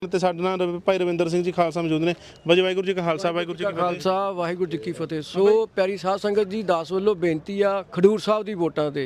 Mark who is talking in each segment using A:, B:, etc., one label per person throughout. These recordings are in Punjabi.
A: ਤੇ ਸਾਡੇ ਨਾਲ ਭਾਈ ਰਵਿੰਦਰ ਸਿੰਘ ਜੀ ਖਾਲਸਾ ਮੌਜੂਦ ਨੇ। ਬਾਜੀ ਵਾਹਿਗੁਰੂ ਜੀ ਕਾ ਖਾਲਸਾ ਵਾਹਿਗੁਰੂ ਜੀ ਕੀ ਫਤਿਹ।
B: ਖਾਲਸਾ ਵਾਹਿਗੁਰੂ ਜੀ ਕੀ ਫਤਿਹ। ਸੋ ਪਿਆਰੀ ਸਾਧ ਸੰਗਤ ਜੀ, ਦਾਸ ਵੱਲੋਂ ਬੇਨਤੀ ਆ ਖਡੂਰ ਸਾਹਿਬ ਦੀ ਵੋਟਾਂ ਤੇ।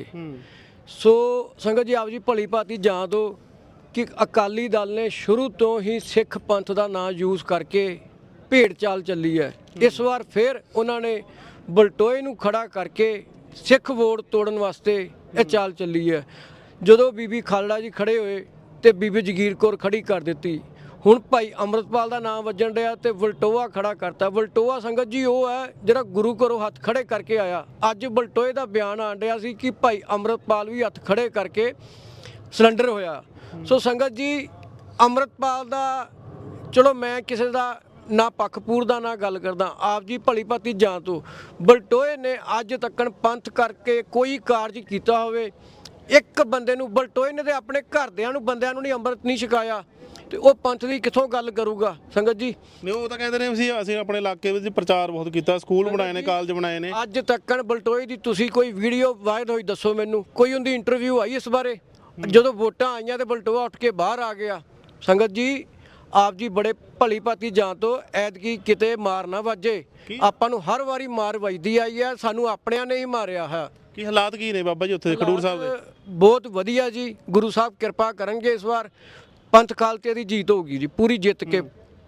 B: ਸੋ ਸੰਗਤ ਜੀ ਆਪ ਜੀ ਭਲੀ ਭਾਂਤੀ ਜਾਣ ਦਿਓ ਕਿ ਅਕਾਲੀ ਦਲ ਨੇ ਸ਼ੁਰੂ ਤੋਂ ਹੀ ਸਿੱਖ ਪੰਥ ਦਾ ਨਾਂ ਯੂਜ਼ ਕਰਕੇ ਭੇਡ ਚਾਲ ਚੱਲੀ ਹੈ। ਇਸ ਵਾਰ ਫਿਰ ਉਹਨਾਂ ਨੇ ਬਲਟੋਏ ਨੂੰ ਖੜਾ ਕਰਕੇ ਸਿੱਖ ਵੋਟ ਤੋੜਨ ਵਾਸਤੇ ਇਹ ਚਾਲ ਚੱਲੀ ਹੈ। ਜਦੋਂ ਬੀਬੀ ਖਾਲੜਾ ਜੀ ਖੜੇ ਹੋਏ ਤੇ ਬੀਬੀ ਜਗੀਰ ਕੌਰ ਖੜੀ ਕਰ ਦਿੱਤੀ। ਹੁਣ ਭਾਈ ਅੰਮ੍ਰਿਤਪਾਲ ਦਾ ਨਾਮ ਵੱਜਣ ਡਿਆ ਤੇ ਵਲਟੋਆ ਖੜਾ ਕਰਤਾ। ਵਲਟੋਆ ਸੰਗਤ ਜੀ ਉਹ ਹੈ ਜਿਹੜਾ ਗੁਰੂ ਘਰੋਂ ਹੱਥ ਖੜੇ ਕਰਕੇ ਆਇਆ। ਅੱਜ ਵਲਟੋਏ ਦਾ ਬਿਆਨ ਆਣ ਡਿਆ ਸੀ ਕਿ ਭਾਈ ਅੰਮ੍ਰਿਤਪਾਲ ਵੀ ਹੱਥ ਖੜੇ ਕਰਕੇ ਸਿਲੰਡਰ ਹੋਇਆ। ਸੋ ਸੰਗਤ ਜੀ ਅੰਮ੍ਰਿਤਪਾਲ ਦਾ ਚਲੋ ਮੈਂ ਕਿਸੇ ਦਾ ਨਾ ਪੱਖਪੂਰ ਦਾ ਨਾ ਗੱਲ ਕਰਦਾ, ਆਪ ਜੀ ਭਲੀ ਭਾਂਤੀ ਜਾਣ ਤੋਂ ਵਲਟੋਏ ਨੇ ਅੱਜ ਤੱਕਣ ਪੰਥ ਕਰਕੇ ਕੋਈ ਕਾਰਜ ਕੀਤਾ ਹੋਵੇ? ਇੱਕ ਬੰਦੇ ਨੂੰ ਵਲਟੋਏ ਨੇ ਤੇ ਆਪਣੇ ਘਰਦਿਆਂ ਨੂੰ ਬੰਦਿਆਂ ਨੂੰ ਨਹੀਂ ਅੰਮ੍ਰਿਤ ਨਹੀਂ ਛਕਾਇਆ ਤੇ ਉਹ ਪੰਥ ਦੀ ਕਿੱਥੋਂ ਗੱਲ ਕਰੂਗਾ ਸੰਗਤ ਜੀ?
A: ਨਹੀਂ ਉਹ ਤਾਂ ਕਹਿੰਦੇ ਨੇ ਅਸੀਂ ਆਪਣੇ ਇਲਾਕੇ ਵਿੱਚ ਪ੍ਰਚਾਰ ਬਹੁਤ ਕੀਤਾ, ਸਕੂਲ ਬਣਾਏ ਨੇ, ਕਾਲਜ ਬਣਾਏ ਨੇ।
B: ਅੱਜ ਤੱਕਣ ਵਲਟੋਏ ਦੀ ਤੁਸੀਂ ਕੋਈ ਵੀਡੀਓ ਵਾਇਰਲ ਹੋਈ ਦੱਸੋ ਮੈਨੂੰ, ਕੋਈ ਉਹਦੀ ਇੰਟਰਵਿਊ ਆਈ ਇਸ ਬਾਰੇ? ਜਦੋਂ ਵੋਟਾਂ ਆਈਆਂ ਤੇ ਵਲਟੋਆ ਉੱਠ ਕੇ ਬਾਹਰ ਆ ਗਿਆ। ਸੰਗਤ ਜੀ ਆਪ ਜੀ ਬੜੇ ਭਲੀ ਭਾਂਤੀ ਜਾਣ ਤੋਂ ਐਤਕੀ ਕਿਤੇ ਮਾਰ ਨਾ ਵੱਜੇ। ਆਪਾਂ ਨੂੰ ਹਰ ਵਾਰੀ ਮਾਰ ਵੱਜਦੀ ਆਈ ਹੈ, ਸਾਨੂੰ ਆਪਣਿਆਂ ਨੇ ਹੀ ਮਾਰਿਆ ਹੈ।
A: ਕੀ ਹਾਲਾਤ ਕੀ ਨੇ ਬਾਬਾ ਜੀ ਉੱਥੇ ਖਡੂਰ ਸਾਹਿਬ ਦੇ?
B: ਬਹੁਤ ਵਧੀਆ ਜੀ, ਗੁਰੂ ਸਾਹਿਬ ਕਿਰਪਾ ਕਰਨਗੇ। ਇਸ ਵਾਰ ਪੰਥ ਖਾਲਸੇ ਦੀ ਜੀਤ ਹੋਊਗੀ ਜੀ, ਪੂਰੀ ਜਿੱਤ ਕੇ।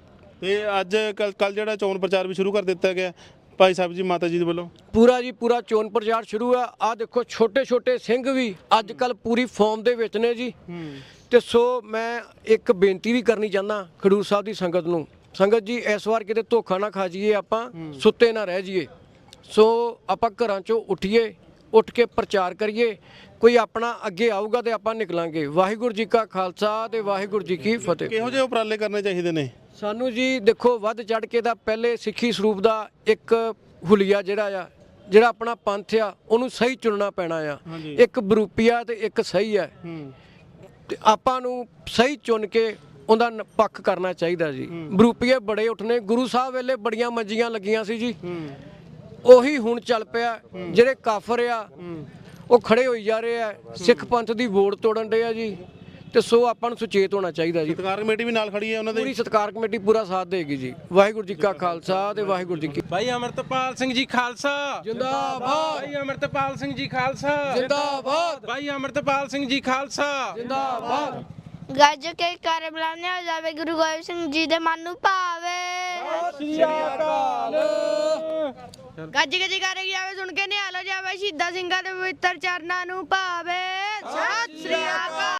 A: ਤੇ ਅੱਜ ਕੱਲ ਜਿਹੜਾ ਚੋਣ ਪ੍ਰਚਾਰ ਵੀ ਸ਼ੁਰੂ ਕਰ ਦਿੱਤਾ ਗਿਆ ਭਾਈ ਸਾਹਿਬ ਜੀ ਮਾਤਾ ਜੀ ਦੇ ਵੱਲੋਂ।
B: ਪੂਰਾ ਜੀ ਪੂਰਾ ਚੋਣ ਪ੍ਰਚਾਰ ਸ਼ੁਰੂ ਆ। ਆਹ ਦੇਖੋ ਛੋਟੇ ਛੋਟੇ ਸਿੰਘ ਵੀ ਅੱਜ ਕੱਲ ਪੂਰੀ ਫਾਰਮ ਦੇ ਵਿੱਚ ਨੇ ਜੀ। ਤੇ ਸੋ ਮੈਂ ਇੱਕ ਬੇਨਤੀ ਵੀ ਕਰਨੀ ਚਾਹੁੰਦਾ ਖਡੂਰ ਸਾਹਿਬ ਦੀ ਸੰਗਤ ਨੂੰ। ਸੰਗਤ ਜੀ ਇਸ ਵਾਰ ਕਿਤੇ ਧੋਖਾ ਨਾ ਖਾ ਜਾਈਏ, ਆਪਾਂ ਸੁੱਤੇ ਨਾ ਰਹਿ ਜਾਈਏ। ਸੋ ਆਪਾਂ ਘਰਾਂ ਚੋਂ ਉੱਠੀਏ, ਉੱਠ ਕੇ ਪ੍ਰਚਾਰ ਕਰੀਏ। ਕੋਈ ਆਪਣਾ ਅੱਗੇ ਆਊਗਾ ਤੇ ਆਪਾਂ ਨਿਕਲਾਂਗੇ। ਵਾਹਿਗੁਰੂ ਜੀ ਕਾ ਖਾਲਸਾ ਤੇ ਵਾਹਿਗੁਰੂ ਜੀ ਕੀ ਫਤਿਹ।
A: ਕਿਹੋ ਜਿਹੇ ਉਪਰਾਲੇ ਕਰਨੇ ਚਾਹੀਦੇ ਨੇ
B: ਸਾਨੂੰ ਜੀ? ਦੇਖੋ ਵੱਧ ਚੜ ਕੇ ਤਾਂ ਪਹਿਲੇ ਸਿੱਖੀ ਸਰੂਪ ਦਾ ਇੱਕ ਹੁਲੀਆ ਜਿਹੜਾ ਆਪਣਾ ਪੰਥ ਆ ਉਹਨੂੰ ਸਹੀ ਚੁਣਨਾ ਪੈਣਾ ਆ। ਇੱਕ ਬਰੂਪੀਆ ਤੇ ਇੱਕ ਸਹੀ ਹੈ ਤੇ ਆਪਾਂ ਨੂੰ ਸਹੀ ਚੁਣ ਕੇ ਉਹਦਾ ਪੱਖ ਕਰਨਾ ਚਾਹੀਦਾ ਜੀ। ਬਰੂਪੀਏ ਬੜੇ ਉੱਠਨੇ, ਗੁਰੂ ਸਾਹਿਬ ਵੇਲੇ ਬੜੀਆਂ ਮੰਜੀਆਂ ਲੱਗੀਆਂ ਸੀ ਜੀ, ਉਹੀ ਹੁਣ ਚੱਲ ਪਿਆ। ਜਿਹੜੇ ਕਾਫਰ ਆ ਉਹ ਖੜੇ ਹੋਈ ਜਾ ਰਹੇ ਆ, ਸਿੱਖ ਪੰਥ ਦੀ ਵੋਟ ਤੋੜਨ ਦੇ ਆ ਜੀ। ਤੇ ਸੋ ਆਪਾਂ ਨੂੰ ਸੁਚੇਤ ਹੋਣਾ ਚਾਹੀਦਾ ਜੀ।
A: ਸਤਿਕਾਰ ਕਮੇਟੀ ਵੀ ਨਾਲ ਖੜੀ ਹੈ ਉਹਨਾਂ ਦੇ,
B: ਪੂਰੀ ਸਤਿਕਾਰ ਕਮੇਟੀ ਪੂਰਾ ਸਾਥ ਦੇਗੀ ਜੀ। ਵਾਹਿਗੁਰੂ ਜੀ ਕਾ ਖਾਲਸਾ ਤੇ ਵਾਹਿਗੁਰੂ ਜੀ ਕੀ।
C: ਭਾਈ ਅਮਰਤਪਾਲ ਸਿੰਘ ਜੀ ਖਾਲਸਾ
B: ਜਿੰਦਾਬਾਦ।
C: ਭਾਈ ਅਮਰਤਪਾਲ ਸਿੰਘ ਜੀ ਖਾਲਸਾ
B: ਜਿੰਦਾਬਾਦ।
C: ਭਾਈ ਅਮਰਤਪਾਲ ਸਿੰਘ ਜੀ ਖਾਲਸਾ
B: ਜਿੰਦਾਬਾਦ।
D: ਗੱਜ ਕੇ ਕਰ ਬੁਲਾਉਂਦੇ ਹੋ ਜਾਵੇ ਗੁਰੂ ਗੋਬਿੰਦ ਸਿੰਘ ਜੀ ਦੇ ਮਨ ਨੂੰ ਭਾਵੇ।
B: ਸ੍ਰੀ ਅਕਾਲ।
D: ਗੱਜ ਕੇ ਜੈਕਾਰੇ ਜਾਵੇ ਸੁਣ ਕੇ ਨਿਹਾਲ ਹੋ ਜਾਵੇ, ਸ਼ਹੀਦਾਂ ਸਿੰਘਾਂ ਦੇ ਪਵਿੱਤਰ ਚਰਨਾਂ ਨੂੰ ਭਾਵੇ। ਸਤਿ ਸ੍ਰੀ ਅਕਾਲ।